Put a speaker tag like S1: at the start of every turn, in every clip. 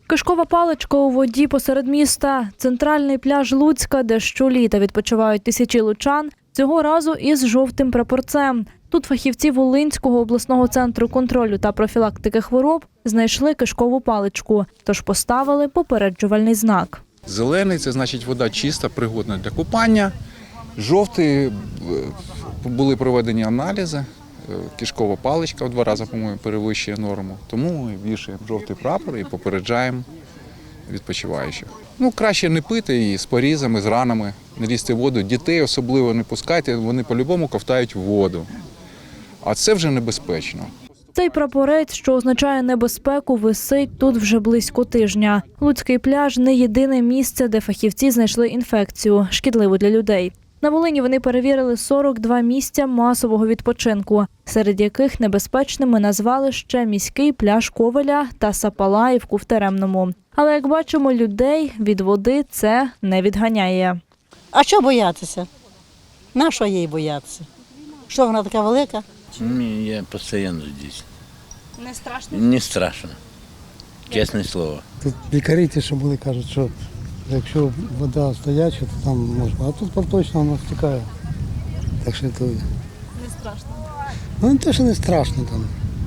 S1: Кишкова паличка у воді посеред міста. Центральний пляж Луцька, де щоліта відпочивають тисячі лучан, цього разу із жовтим прапорцем. Тут фахівці Волинського обласного центру контролю та профілактики хвороб знайшли кишкову паличку, тож поставили попереджувальний знак.
S2: Зелений – це значить вода чиста, пригодна для купання. Жовтий – були проведені аналізи. Кишкова паличка в 2 рази, по-моєму, перевищує норму. Тому ми вішаємо жовтий прапор і попереджаємо відпочиваючих. Краще не пити її з порізами, з ранами, не лізти в воду. Дітей особливо не пускайте, вони по-любому ковтають воду. А це вже небезпечно.
S1: Цей прапорець, що означає небезпеку, висить тут вже близько тижня. Луцький пляж – не єдине місце, де фахівці знайшли інфекцію, шкідливу для людей. На Волині вони перевірили 42 місця масового відпочинку, серед яких небезпечними назвали ще міський пляж Ковеля та Сапалаївку в Теремному. Але, як бачимо, людей від води це не відганяє.
S3: А що боятися? На що їй боятися? Що вона така велика?
S4: Ні, я постійно здесь.
S1: Не страшно?
S4: Не страшно. Чесне слово.
S5: Тут лікарі ті, що були, кажуть, що якщо вода стояча, то там можна. А тут поточно вона стікає. Так що то...
S1: Не страшно?
S5: Ну не те, що не страшно там.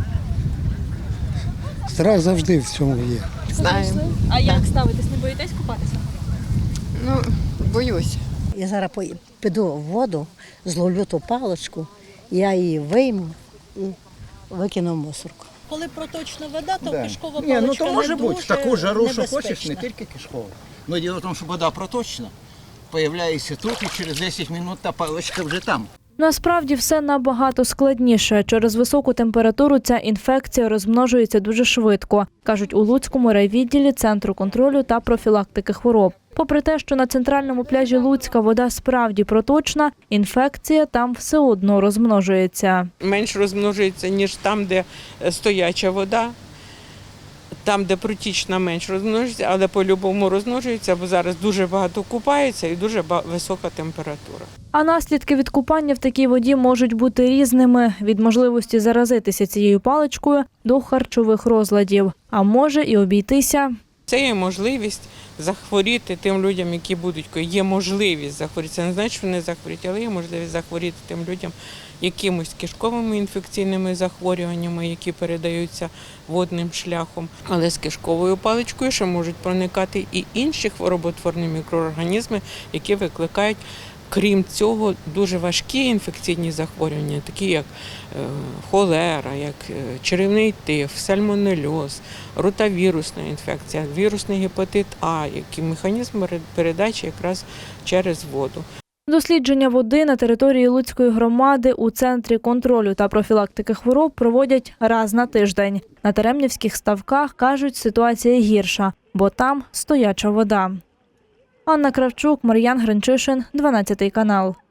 S5: Страх завжди в цьому є.
S6: Знаємо.
S1: А як ставитесь? Не боїтесь купатися?
S6: Ну, боюсь.
S3: Я зараз піду в воду, зловлю ту паличку, я її вийму і викину в мусорку.
S7: Коли проточна вода, то кишкова
S8: Ні,
S7: паличка
S8: то може
S7: не
S8: бути. В таку жару, що
S7: небезпечна.
S8: хочеш, не тільки кишкова. Ну, діло в тому, що вода проточна, з'являється тут, і через 10 хвилин та паличка вже там.
S1: Насправді все набагато складніше. Через високу температуру ця інфекція розмножується дуже швидко, кажуть у Луцькому райвідділі Центру контролю та профілактики хвороб. Попри те, що на центральному пляжі Луцька вода справді проточна, інфекція там все одно розмножується.
S9: Менш розмножується, ніж там, де стояча вода. Там, де протічна, менш розмножується, але по-любому розмножується, бо зараз дуже багато купаються і дуже висока температура.
S1: А наслідки від купання в такій воді можуть бути різними – від можливості заразитися цією паличкою до харчових розладів. А може і обійтися.
S9: Це є можливість захворіти тим людям, які будуть. Є можливість захворіти. Це не значить, що не захворіти, але є можливість захворіти тим людям якимось кишковими інфекційними захворюваннями, які передаються водним шляхом. Але з кишковою паличкою ще можуть проникати і інші хвороботворні мікроорганізми, які викликають, крім цього, дуже важкі інфекційні захворювання, такі як холера, як черевний тиф, сальмонельоз, ротавірусна інфекція, вірусний гепатит А, які механізми передачі якраз через воду.
S1: Дослідження води на території Луцької громади у Центрі контролю та профілактики хвороб проводять раз на тиждень. На Теремнівських ставках, кажуть, ситуація гірша, бо там стояча вода. Анна Кравчук, Мар'ян Гринчишин, 12 канал.